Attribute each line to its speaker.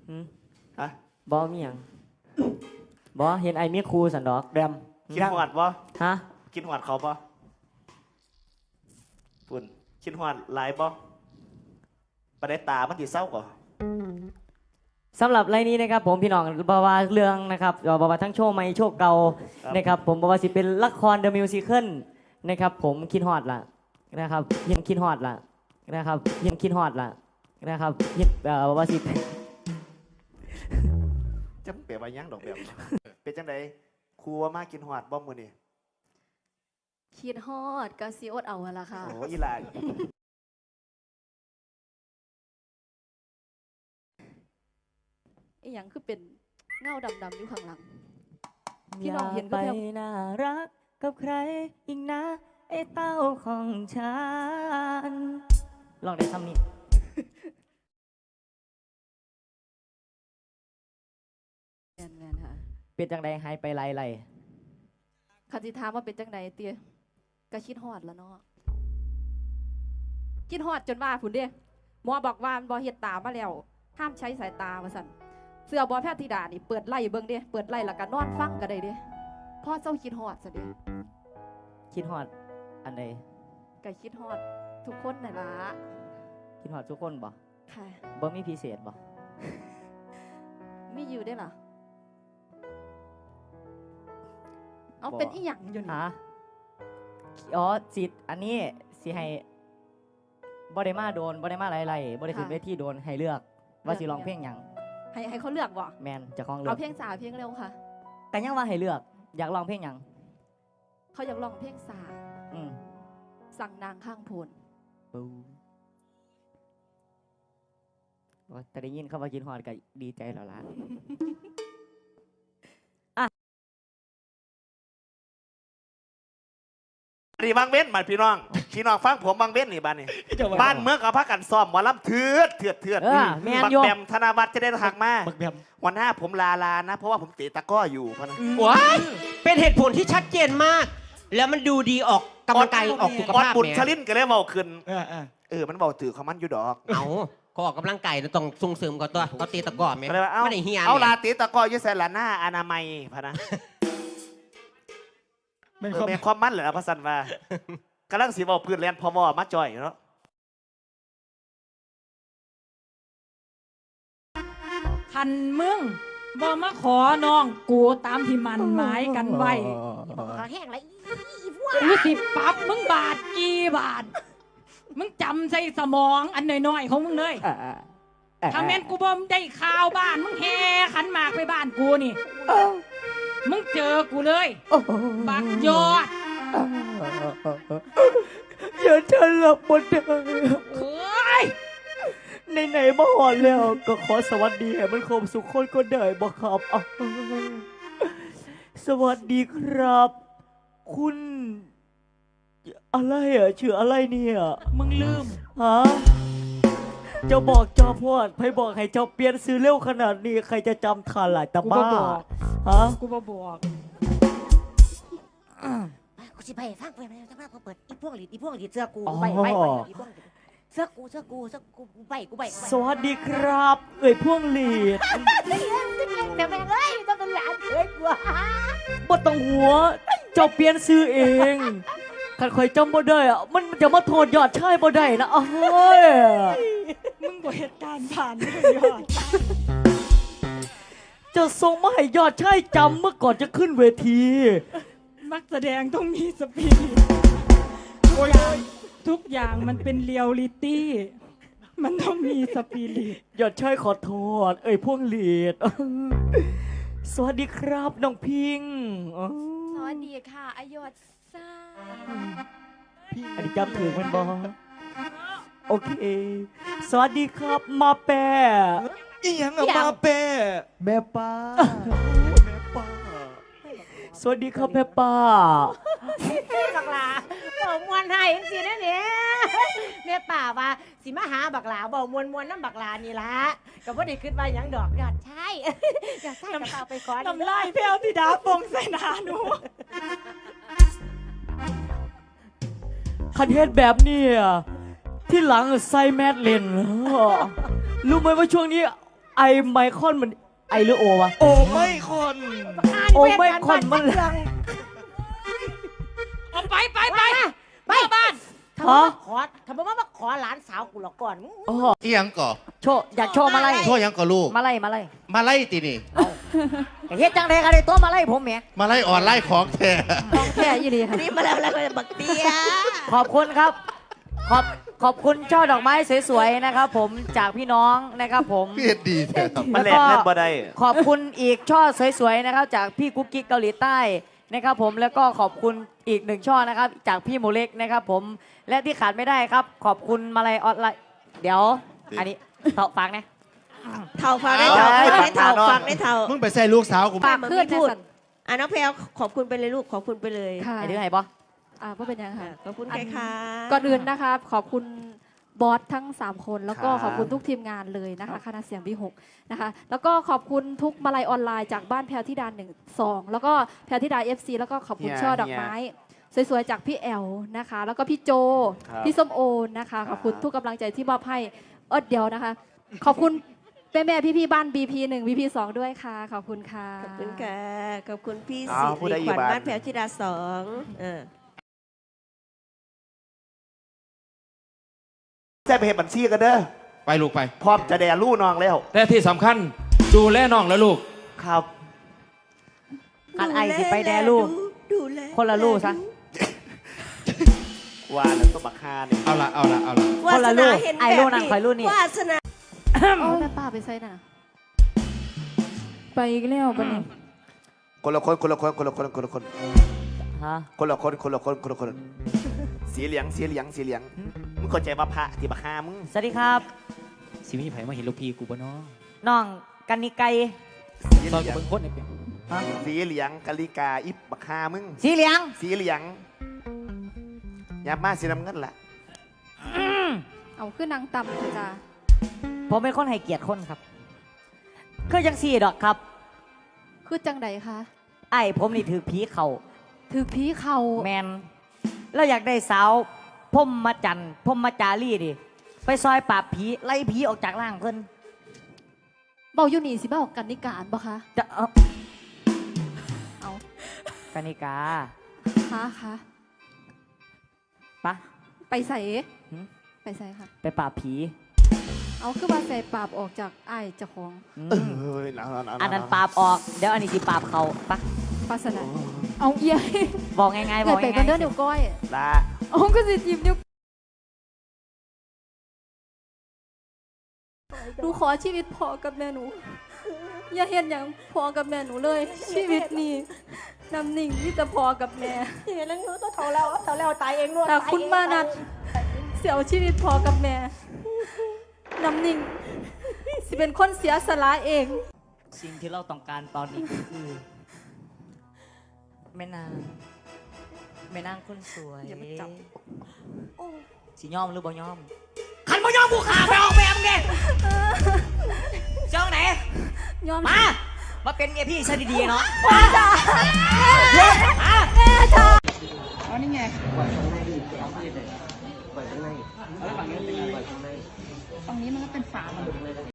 Speaker 1: ฮะ
Speaker 2: บอมีหยังบอเห็นไอ้มีครูสันดอก
Speaker 1: แบมคิดหอดบ่
Speaker 2: ฮะ
Speaker 1: คิดหอดเขาบ่ปุ่นคิดหอดหลายบ่ประเด็ตามันติเศร้าก่อ
Speaker 2: สำหรับรายนี้นะครับผมพี่น้องบอกว่าเรื่องนะครับบอกว่าทั้งโชว์ใหม่โชว์เก่านะครับผมบอกว่าสิเป็นละครเดอะมิวสิคลนะครับผมคิดฮอดล่ะนะครับยังคิดฮอดล่ะนะครับยังคิดฮอดล่ะนะครับยังบอกว่าสิ
Speaker 1: จะเปลี่ยนไปยังดอกแบบเป็นจังไดครูว่ามากินหอดบ่มื้อนี้
Speaker 3: คิดฮอดก็สิอดเอาละค่ะ
Speaker 1: โอ้อีหลา
Speaker 3: อีหยังคือเป็นเงาดำๆอยู่ข้างหลังพี่น้องเห็นก็
Speaker 2: ไป
Speaker 3: แบบ
Speaker 2: น่ารักกับใครอีกนะไอ้เต้าของฉันลองได้คำนี้
Speaker 3: แมนค่ะ
Speaker 2: เป็นจังใดหายไปไร
Speaker 3: คันสิถามว่าเป็นจังไดเตี้ยก็คิดฮอดแล้วเนาะคิดฮอดจนว่าพุ่นเด้หมอบอกว่าบ่เฮ็ดตามาแล้วห้ามใช้สายตาว่าซั่นเสื้อบอแพทย์ธิดานี่เปิดไล่เบิ่งเด้เปิดไล่แล้วก็นอนฟังก็ได้เด้พ่อเจ้าคิดฮอดซะเด้
Speaker 2: คิดฮอดอันใด
Speaker 3: ก็คิดฮอดทุกคนนั่นล่ะ
Speaker 2: คิดฮอดทุกคนบ่
Speaker 3: ค่ะ
Speaker 2: บ่มีพิเศษบ่
Speaker 3: มีอยู่ได้ล่ะเอาเป็นอีหยังอยู่นี่
Speaker 2: อ๋อจิตอันนี้สิให้บ่ได้มาโดนบ่ได้มาไรบ่ได้ขึ้นเวทีโดนให้เลือกว่าสิร้องเพลงหยัง
Speaker 3: ให้เขาเลือกบ่
Speaker 2: แมนจะคล้องเลือก
Speaker 3: เอาเพลงสาเพลงเร็วค่ะ
Speaker 2: แต่ยังว่าให้เลือกอยากร้องเพลงหยัง
Speaker 3: เขาอยากร้องเพลงสา
Speaker 2: อืม
Speaker 3: สั่งนางข้างโพน
Speaker 2: ว่าแต่ได้ยินเขาว่ากินฮอดก็ดีใจแล้วล่ะ
Speaker 1: นี่บางเว้นมาพี่น้องฟังผมบางเว้นนี่บ้านนี่บ้านเมืองเขาพักกันซ้อมหมอลำเถื่อน
Speaker 2: แมน
Speaker 1: บัก
Speaker 2: โย
Speaker 1: แบมธนวัฒน์จะได้หักมาวันหน้าผมลานะเพราะว่าผมเตะตะก้ออยู่พะนะ
Speaker 4: ว้ายเป็นเหตุผลที่ชัดเจนมาก แล้วมันดูดีออกกำลังกายออกสุขภาพ
Speaker 1: บุญชลินก็เลยเบาขึ้นมันเบาถือเขามันอยู่ดอก
Speaker 4: เอาเขาออกกำลังกายต้องส่งเสริมก่อนตัวเขาตีตะก้อไหม
Speaker 1: ไม่ได้เฮียเอาลาเตะตะก้อยืดแสนหลาหน้าอนามัยพะนะเป็นความมั่นเหรอพระสันว่ากำลังสีบอพื้นแลนพอวอมาจ่อยเนาะ
Speaker 5: คันมึงบ่มาขอน้องกูตามที่มันหมายกันไว้
Speaker 6: แห้งไร
Speaker 5: กูสิปรับมึงบาทกี่บาทมึงจำใส่สมองอันน้อยๆของมึงเลยถ้าแม่นกูบ่ได้ข่าวบ้านมึงแห่ขันหมากไปบ้านกูนี่มึงเจอกูเลยบักยอด
Speaker 2: อย่าฉันหลับหมดเลย
Speaker 5: โอ้ย
Speaker 2: ไหนมาหอนแล้วก็ขอสวัสดีให้มันคมสุขคนก็ได้บ่ครับสวัสดีครับคุณอะไรชื่ออะไรเนี่ย
Speaker 5: มึงลืม
Speaker 2: ฮะเจ้าบอกเจ้าพอดใครบอกให้เจ้าเปลี่ยนซื้อเร็วขนาดนี้ใครจะจำทันล่ะตาบ้าฮะ
Speaker 5: กูบอก
Speaker 6: กูสิไปฟังเปิดเปิดอีพวกหลีดเสื้อกูไปอีพวกเสื้อกูไป
Speaker 2: สวัสดีครับพวกหลีด
Speaker 6: แต่แม่เอ้ยต้องเป็นหลานเอ้ยกู
Speaker 2: บ่ต้องหัวเจ้าเปลี่ยนซื้อเองขันคอยจำบ่ได้มันจะมาโทษยอดชายบ่ได้นะ
Speaker 5: มึงบ่เหตุการณ์ผ่านไม่ยอด
Speaker 2: จะส่งมาให้ยอดชายจำเมื่อก่อนจะขึ้นเวที
Speaker 5: นักแสดงต้องมีสปิริตทุกอย่างมันเป็นเรียลลิตี้มันต้องมีสปิริต
Speaker 2: ยอดชายขอโทษพวกหลีดสวัสดีครับน้องพิง
Speaker 3: สวัสดีค่ะอายศซ่า
Speaker 2: อันนี้จำถือมันบอโอเคสวัสดีครับมาแปะ
Speaker 1: อีหยังมาแปะ
Speaker 2: แม่ป้าสวัสดีครับแม่ป้า
Speaker 6: บักหลาเบามวนให้สินะเนี่ยแม่ป่าว่าสิมาหาบักหลาเบามวนน้ำบักหลานี่ละก็บ่ได้ขึ้นมาหยังดอกยอดใช่กระเป๋าไปก่อน
Speaker 5: น้ำลายแพ้วที่ดาปงใส่หน้าหนู
Speaker 2: คันเทศแบบนี้ที่หลังใส่แมสเลนรู้ไหมว่าช่วงนี้ไอไมคอนมันไอหรือโอวะ
Speaker 1: โอ้ไม่คน
Speaker 2: โอ้ไม่คนมัน
Speaker 5: เอาไปบ้าน
Speaker 6: คำว่ามาขอหลานสาวกูหรอกก่อนมึง
Speaker 2: โอ้โห
Speaker 7: อีหยังก่อ
Speaker 2: โชว์อยากโชว์มาไล่
Speaker 7: โทษหยังก่อลูก
Speaker 2: มาไล่
Speaker 7: มาไล่ตีนี่
Speaker 2: เฮ็ดจังเลยกันเลยตัวมาไล่ผมแหม
Speaker 7: มาไล่อ่อนไล่ของแท้
Speaker 3: ของแท้ยี่ดีค่ะ
Speaker 6: นี่มาแล้วบักเตี้ย
Speaker 2: ขอบคุณครับ ขอบคุณช่อดอกไม้สวยๆนะครับ ผมจากพี่น้องนะครับผม
Speaker 7: พี่เฮ็ดดีแท้ครับ
Speaker 1: มันแหลกเงินบ่ได้
Speaker 2: ขอบคุณอีกช่อสวยๆนะครับจากพี่กุ๊กกิ๊กเกาหลีใต้นะครับผมแล้วก็ขอบคุณอีกหนึ่งช่อนะครับจากพี่หมูเล็กนะครับผมและที่ขาดไม่ได้ครับ ขอบคุณมาลัยออนไลน์เดี๋ยวอันนี้ฝากนะ
Speaker 6: เท่าฟังได้เท่าฟังได้เท่าฟังได้เท่า
Speaker 7: มึงไปใส่ลูกสาวกู
Speaker 3: ปากขึ้น
Speaker 6: พูด
Speaker 3: แน่สัน
Speaker 6: น้องแพลวขอบคุณไปเลยลูกขอบคุณไปเลย
Speaker 3: ค่ะ
Speaker 2: ไอ้ดื้อไงบอ
Speaker 3: ว่าเป็นยังค่ะ
Speaker 6: ขอบคุณใครคะ
Speaker 3: ก่อนอื่นนะคะขอบคุณบอสทั้ง 3 คน แล้วก็
Speaker 1: ครับ
Speaker 3: ขอบคุณทุกทีมงานเลยนะคะคณะเสียงวิหกนะคะแล้วก็ขอบคุณทุกมาลัยออนไลน์จากบ้านแพรธิดา1 2แล้วก็แพรธิดา FC แล้วก็ขอบคุณช่อดอกไม้สวยๆจากพี่แอลนะคะ แล้วก็พี่โจ
Speaker 1: ครับ
Speaker 3: พี่ส้มโอนะคะขอบคุณทุกกำลังใจที่มอบให้เดี๋ยวนะคะ ขอบคุณแม่ๆพี่ๆบ้าน BP 1 BP 2ด้วยค่ะขอบคุณค่ะ
Speaker 6: ขอบคุณค่ะขอบคุณพี่
Speaker 1: อ้า
Speaker 6: สิ
Speaker 1: วผู้ใด
Speaker 6: ริ
Speaker 1: อยู่
Speaker 6: ขวัญ
Speaker 1: บ้าน
Speaker 6: บ้านแพรวธิดา2
Speaker 1: แจ้ไปเห็นบัญชีกันเด้อ
Speaker 7: ไปลูกไป
Speaker 1: พร้อมจะแด่ลู่น้องแล้ว
Speaker 8: แต่ที่สำคัญดูแลน้องและลูก
Speaker 1: ครับ
Speaker 2: อันไอสิไปแดลูก
Speaker 6: ดูแล
Speaker 2: คนละลูกซะ
Speaker 1: ว่าแล้วตัวบักฮาเนี่ย
Speaker 7: เอาละ
Speaker 2: คนละลูกไอ้ลูกนั่นคอยลูกนี่
Speaker 6: วาสนา
Speaker 3: โอ้แม่ป้าไปใส่น่ะไปอีกแล้วบันนี้
Speaker 1: คนละคนคนละคนคนละคนคนละคน
Speaker 2: ฮะ
Speaker 1: คนละคนคนละคนคนละคนสีเหลืองสีเหลืองสีเหลืองมึงเข้าใจว่าพระที่บักฮามึง
Speaker 2: สวัสดีครับ
Speaker 8: สิมีไผมาเห็นลูกพี่กูบ่เนาะ
Speaker 2: น้องกันนิไก
Speaker 1: สีเห
Speaker 8: ซอย
Speaker 1: ลื
Speaker 8: กู
Speaker 1: อง
Speaker 8: เบิ่งคนเนี่ยเป็น
Speaker 2: ฮะ
Speaker 1: สีเหลืองกาลิกาอิบบักฮามึง
Speaker 2: สีเหลือง
Speaker 1: สีเหลืองยามาสีน้ำเงินล่ะ
Speaker 3: เอาขึ้นนางต่ำเถอะจ้า
Speaker 2: ผมเป็นคนให้เกียรติคนครับคือยังสี่ดอกครับ
Speaker 3: คือจังใดคะ
Speaker 2: ไอ้ผมนี่ถือผีเข่า
Speaker 3: ถือผีเขา
Speaker 2: แมนแล้วอยากได้สาวพมมาจันทร์พมมาจารีดิไปซอยปราบผีไล่ผีออกจากร่างเพิ่น
Speaker 3: เบาอยู่นี่สิเบากันนิการบ่คะ
Speaker 2: จะ
Speaker 3: เอา
Speaker 2: กานิกา
Speaker 3: คะ
Speaker 2: ปะ
Speaker 3: ไปใส่
Speaker 2: หืม
Speaker 3: ไปใส่ค่ะ
Speaker 2: ไปปราบผี
Speaker 3: เอาคือว่าใส่ปราบออกจากไอ้ายเจ้าของ
Speaker 2: อืม
Speaker 1: เฮ้ยหนาว
Speaker 2: อันนั้นปราบออกเดี๋ยวอันนี้สิปราบเขาปะ
Speaker 3: ปาสนาเอาเอีย
Speaker 2: บอกง่ายๆบอก
Speaker 3: ไป
Speaker 2: ง่าย
Speaker 3: กันเด้อเดี๋ยวก้อย
Speaker 1: ลา
Speaker 3: เอาก็สิจิบนิ้วหนูขอชีวิตพอกับแม่หนู อย่าเห็นอย่างพอกับแม่หนูเลย ชีวิตนี้นำหนิ่งที่จะพอกับแม่
Speaker 6: เห็นแล้วหนูต้องเท่าแล้วตายเองด้วย
Speaker 3: แต่คุณมานัดเสียชีวิตพอกับแม่นำหนิ่งสิเป็นคนเสียสละเอง
Speaker 2: ๆสิ่งที่เราต้องการตอนนี้ก็คือแม่นางคนสวย
Speaker 6: อย่ามาจับ
Speaker 2: สิยอมหรือบ่ยอมขันบ่ยอมกูขาไปออกแบบไงเจ้าไหน
Speaker 3: ยอม
Speaker 2: มาเป็นเมียพี่ซะดีๆเนาะ
Speaker 5: อ๋อนี่ไงฝั่งนี้มันก็เป็นฝามัน